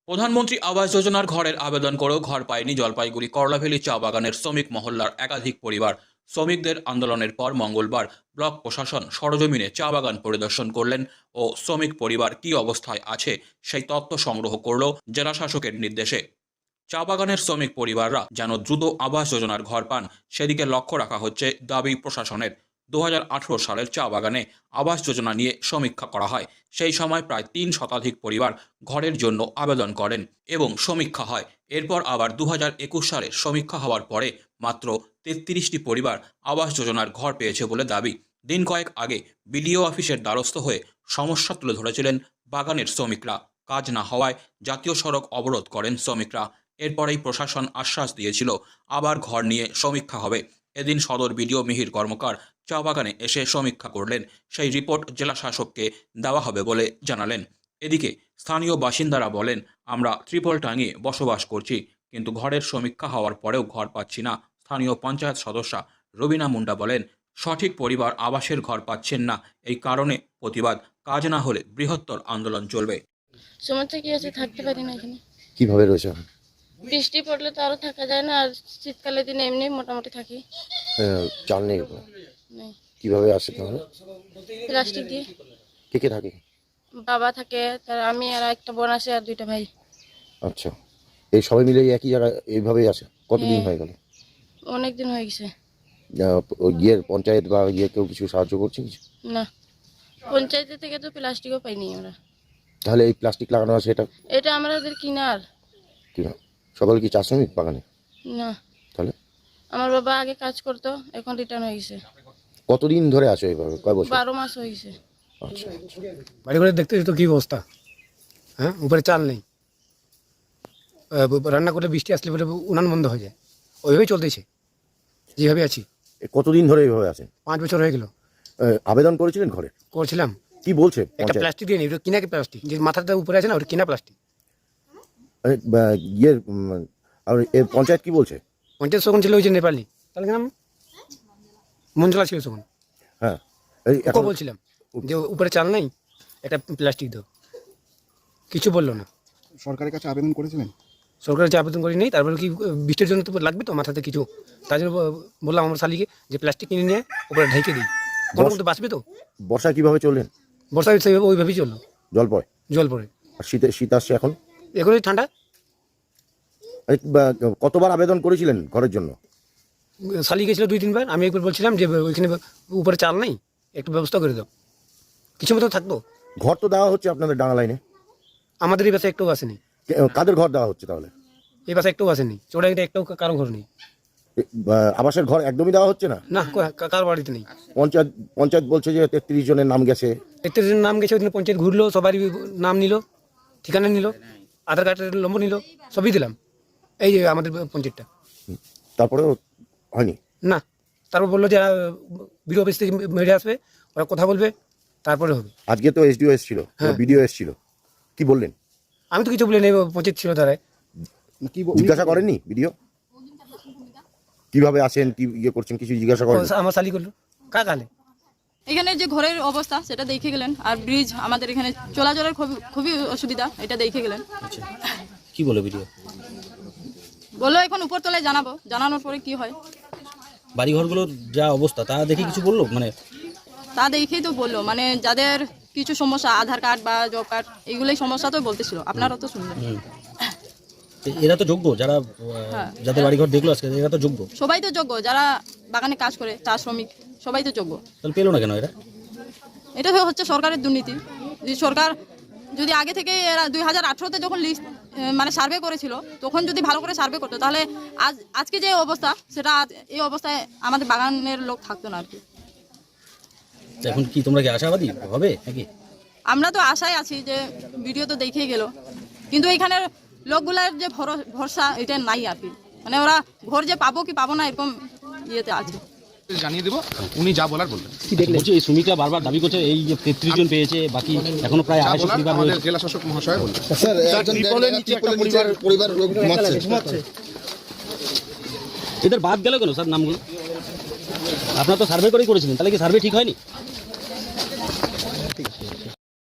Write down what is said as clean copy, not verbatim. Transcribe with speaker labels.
Speaker 1: প্রধানমন্ত্রী আবাস যোজনার ঘরের আবেদন করেও ঘর পায়নি জলপাইগুড়ি করলাভেলী চা বাগানের শ্রমিক মহল্লার একাধিক পরিবার। শ্রমিকদের আন্দোলনের পর মঙ্গলবার ব্লক প্রশাসন সরজমিনে চা বাগান পরিদর্শন করলেন ও শ্রমিক পরিবার কী অবস্থায় আছে সেই তথ্য সংগ্রহ করল জেলা শাসকের নির্দেশে। চা বাগানের শ্রমিক পরিবাররা যেন দ্রুত আবাস যোজনার ঘর পান সেদিকে লক্ষ্য রাখা হচ্ছে দাবি প্রশাসনের। 2018 সালের চা বাগানে আবাস যোজনা নিয়ে সমীক্ষা করা হয়। সেই সময় প্রায় 3 শতাধিক পরিবার ঘরের জন্য আবেদন করেন এবং সমীক্ষা হয়। এরপর আবার 2021 সালে সমীক্ষা হওয়ার পরে মাত্র 33টি পরিবার আবাস যোজনার ঘর পেয়েছে বলে দাবি। দিন কয়েক আগে বিডিও অফিসের দ্বারস্থ হয়ে সমস্যা তুলে ধরেছিলেন বাগানের শ্রমিকরা। কাজ না হওয়ায় জাতীয় সড়ক অবরোধ করেন শ্রমিকরা। এরপরেই প্রশাসন আশ্বাস দিয়েছিল আবার ঘর নিয়ে সমীক্ষা হবে। এদিন সদর বিডিও মিহির কর্মকার চা বাগানে এসে সমীক্ষা করলেন। সেই রিপোর্ট জেলা শাসককে দেওয়া হবে বলে জানালেন। এদিকে স্থানীয় বাসিন্দারা বলেন, আমরা ত্রিপল টাঙিয়ে বসবাস করছি, কিন্তু ঘরের সমীক্ষা হওয়ার পরেও ঘর পাচ্ছি না। স্থানীয় পঞ্চায়েত সদস্যা রবিনা মুন্ডা বলেন, সঠিক পরিবার আবাসের ঘর পাচ্ছেন না, এই কারণে প্রতিবাদ। কাজ না হলে বৃহত্তর আন্দোলন চলবে।
Speaker 2: সমস্যা কি আছে, থাকতে পারি না এখানে।
Speaker 3: কিভাবে রয়েছে এখন?
Speaker 2: বৃষ্টি পড়লে তো আরো থাকা যায় না, আর শীতকালের দিনে এমনি মোটামুটি থাকি।
Speaker 3: চাল নেই তো?
Speaker 2: নেই।
Speaker 3: কিভাবে আসে তাহলে?
Speaker 2: প্লাস্টিক দিয়ে।
Speaker 3: কে কে থাকে?
Speaker 2: বাবা থাকে, তার আমি আর একটা বোন আছে আর 2টা ভাই।
Speaker 3: আচ্ছা, এই সবাই মিলে একই জায়গায় এইভাবেই আসে? কতদিন হয়ে গেল?
Speaker 2: অনেক দিন হয়ে গেছে।
Speaker 3: ওই পঞ্চায়েত বা কেউ কিছু সাহায্য করছে কিছু?
Speaker 2: না, পঞ্চায়েতের থেকে তো প্লাস্টিকও পাইনি আমরা।
Speaker 3: তাহলে এই প্লাস্টিক লাগানো আছে
Speaker 2: এটা আমাদের কিনার।
Speaker 3: কিনা সকাল কি চা শ্রমিক বাগানে?
Speaker 2: না,
Speaker 3: তাহলে
Speaker 2: আমার বাবা আগে কাজ করতো, এখন রিটার্ন হয়ে গেছে।
Speaker 3: কতদিন ধরে আসো এইভাবে? কয় বছর?
Speaker 2: 12 মাস হয়ে গেছে।
Speaker 3: আচ্ছা,
Speaker 4: বাড়ি ঘরে দেখতে তো কী অবস্থা। হ্যাঁ, উপরে চাল নেই, রান্না করলে বৃষ্টি আসলে পরে উনান বন্ধ হয়ে যায়। ওইভাবেই চলতেছে, যেভাবে আছি।
Speaker 3: কতদিন ধরে এইভাবে আছে?
Speaker 4: 5 বছর হয়ে গেল।
Speaker 3: আবেদন করেছিলেন ঘরে?
Speaker 4: করছিলাম।
Speaker 3: কি বলছে
Speaker 4: একটা
Speaker 3: পঞ্চায়েত?
Speaker 4: প্লাস্টিক দিয়ে নিই, ওটা কিনা প্লাস্টিক, যে মাথাটা উপরে আছে না, ওটা কিনা প্লাস্টিক।
Speaker 3: আর পঞ্চায়েত কি বলছে?
Speaker 4: পঞ্চায়েত তখন ছিল ওই যে নেপালি, তাহলে নাম মঞ্জলা ছিল তখন।
Speaker 3: হ্যাঁ,
Speaker 4: ওকে বলছিলাম যে উপরে চাল নেই, একটা প্লাস্টিক দাও, কিছু বললো না।
Speaker 5: সরকারের কাছে আবেদন করেছিলেন?
Speaker 4: সরকারের যে আবেদন করি নেই, তারপরে কি বৃষ্টির জন্য তো লাগবে তো মাথাতে কিছু, তার জন্য বললাম আমার শালিকে যে প্লাস্টিক কিনে নিয়ে উপরে ঢেকে দিই, কোনো তো বাঁচবে তো।
Speaker 3: বর্ষায় কিভাবে চললেন?
Speaker 4: বর্ষায় সেইভাবে ওইভাবেই চললো,
Speaker 3: জল পড়ে?
Speaker 4: জল পড়ে।
Speaker 3: আর শীত আসছে এখন?
Speaker 4: এখনই ঠান্ডা।
Speaker 3: কতবার আবেদন করেছিলেন ঘরের জন্য?
Speaker 4: শালি গেছিলো 2-3 বার। আমি একবার বলছিলাম যে ওইখানে উপরে চাল নেই, একটু ব্যবস্থা করে দাও, কিছু মতো থাকতো।
Speaker 3: ঘর তো দেওয়া হচ্ছে আপনাদের ডাঙা লাইনে?
Speaker 4: আমাদের এই বাসে একটাও আসেনি।
Speaker 3: কাদের ঘর দেওয়া হচ্ছে তাহলে?
Speaker 4: এই বাসে একটাও আসেনি, চোরা একটাও কারো ঘর নেই।
Speaker 3: আবাসের ঘর একদমই দেওয়া হচ্ছে না?
Speaker 4: না, কারো বাড়িতে নেই।
Speaker 3: পঞ্চায়েত বলছে যে 33 জনের নাম গেছে।
Speaker 4: 33 জনের নাম গেছে, ওইদিন পঞ্চায়েত ঘুরলো, সবারই নাম নিল, ঠিকানা নিল, আধার কার্ডের নম্বর নিল, সবই দিলাম। এই যে আমাদের পঞ্চায়েতটা।
Speaker 3: তারপরেও হয়নি?
Speaker 4: না, তারপর বললো যে বিডিও অফিস থেকে মেরে আসবে, ওরা কথা বলবে, তারপরে হবে।
Speaker 3: আজকে তো এসডিও এসেছিল,
Speaker 4: হ্যাঁ।
Speaker 3: বিডিও এসেছিল, কি বললেন?
Speaker 4: আমি তো কিছু বলি নেই, পঞ্চায়েত ছিল তারাই।
Speaker 5: কি
Speaker 3: জিজ্ঞাসা করেননি বিডিও কিভাবে আসেন, কি করছেন, কিছু জিজ্ঞাসা করেন?
Speaker 4: আমার শালি করলো কাকালে।
Speaker 6: এখানে যে ঘরের অবস্থা সেটা দেখে গেলেন, আর ব্রিজ আমাদের এখানে চলাচলের খুবই অসুবিধা, এটা দেখে গেলেন।
Speaker 7: কি বলে ভিডিও?
Speaker 6: বললো এখন উপরতলায় জানাবো, জানানোর পরে কি হয়।
Speaker 7: বাড়িঘরগুলোর যা অবস্থা তা দেখে কিছু বললো? মানে
Speaker 6: তা দেখেই তো বললো, মানে যাদের কিছু সমস্যা, আধার কার্ড বা জব কার্ড, এইগুলোই সমস্যা তো বলতেছিল, আপনারাও তো শুনলেন।
Speaker 7: এরা তো যোগ্য, যারা
Speaker 6: হ্যাঁ।
Speaker 7: যাদের বাড়িঘর দেখলো আজকে, এরা তো যোগ্য।
Speaker 6: সবাই তো যোগ্য, যারা বাগানে কাজ করে, চা শ্রমিক, সবাই তো যোগ্য।
Speaker 7: তাহলে পেলো না কেন এরা?
Speaker 6: এটা তো হচ্ছে সরকারের দুর্নীতি। যে সরকার যদি আগে থেকে এরা 2018-তে যখন লিস্ট মানে সার্ভে করেছিল, তখন যদি ভালো করে সার্ভে করতো, তাহলে আজকে যে অবস্থা, সেটা এই অবস্থায় আমাদের বাগানের লোক থাকতো না আর কি।
Speaker 7: এখন কি তোমরা কি আশাবাদী হবে নাকি?
Speaker 6: আমরা তো আশায় আছি যে ভিডিও তো দেখেই গেল, কিন্তু এখানের লোকগুলার যে ভরসা, এটা নাই আর কি। মানে ওরা ঘর যে পাবো কি পাবো না, এরকম ইয়েতে আছে।
Speaker 5: জানিয়ে দেবো, উনি যা বলার বলবেন।
Speaker 7: বলছি এই শ্রমিকরা বারবার দাবি করছে এই যে 33 জন পেয়েছে, বাকি এখনো প্রায় 250 পরিবার
Speaker 5: আমাদের
Speaker 7: রয়েছে।
Speaker 5: জেলা শাসক মহাশয় বলবেন।
Speaker 8: স্যার, একজন পরিবার লোক ঘুমাচ্ছে।
Speaker 7: এদের বাদ গেল কেন স্যার নামগুলো? আপনারা তো সার্ভে করেই করেছিলেন, তাহলে কি সার্ভে ঠিক হয়নি?